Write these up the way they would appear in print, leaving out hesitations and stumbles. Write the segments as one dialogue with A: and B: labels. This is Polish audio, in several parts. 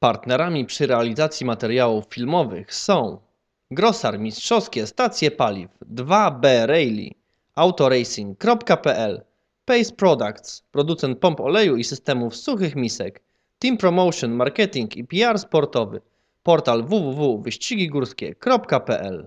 A: Partnerami przy realizacji materiałów filmowych są Grosar Mistrzowskie Stacje Paliw 2B Rally, autoracing.pl, Pace Products, producent pomp oleju i systemów suchych misek, Team Promotion, Marketing i PR sportowy, portal www.wyścigigórskie.pl.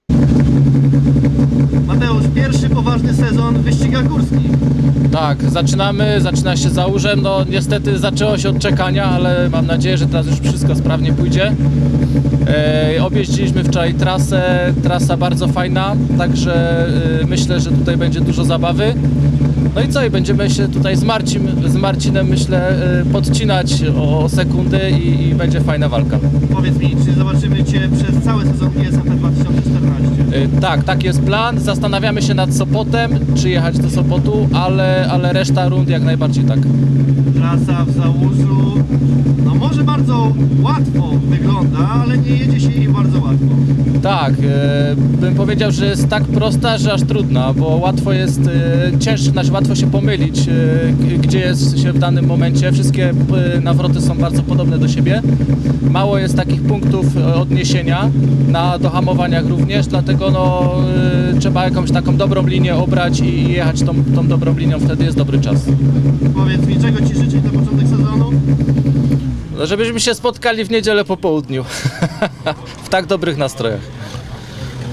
B: Mateusz, pierwszy poważny sezon w wyścigach górskich.
C: Tak, zaczyna się Załużem. No niestety zaczęło się od czekania, ale mam nadzieję, że teraz już wszystko sprawnie pójdzie. Objeździliśmy wczoraj trasę, trasa bardzo fajna, także myślę, że tutaj będzie dużo zabawy. No i co, i będziemy się tutaj z Marcinem, myślę, podcinać o sekundy i będzie fajna walka.
B: Powiedz mi, czy zobaczymy Cię przez cały sezon ISFP 2014?
C: Tak jest plan. Zastanawiamy się nad Sopotem, czy jechać do Sopotu, ale reszta rund jak najbardziej tak.
B: Trasa w Załużu, no może bardzo łatwo wygląda, ale nie jedzie się jej bardzo łatwo.
C: Tak, bym powiedział, że jest tak prosta, że aż trudna, bo łatwo jest, łatwo się pomylić, gdzie jest się w danym momencie. Wszystkie nawroty są bardzo podobne do siebie. Mało jest takich punktów odniesienia na dohamowaniach również, dlatego trzeba jakąś taką dobrą linię obrać i jechać tą dobrą linią, wtedy jest dobry czas.
B: Powiedz mi, czego Ci życzyć na początek sezonu?
C: No, żebyśmy się spotkali w niedzielę po południu w tak dobrych nastrojach.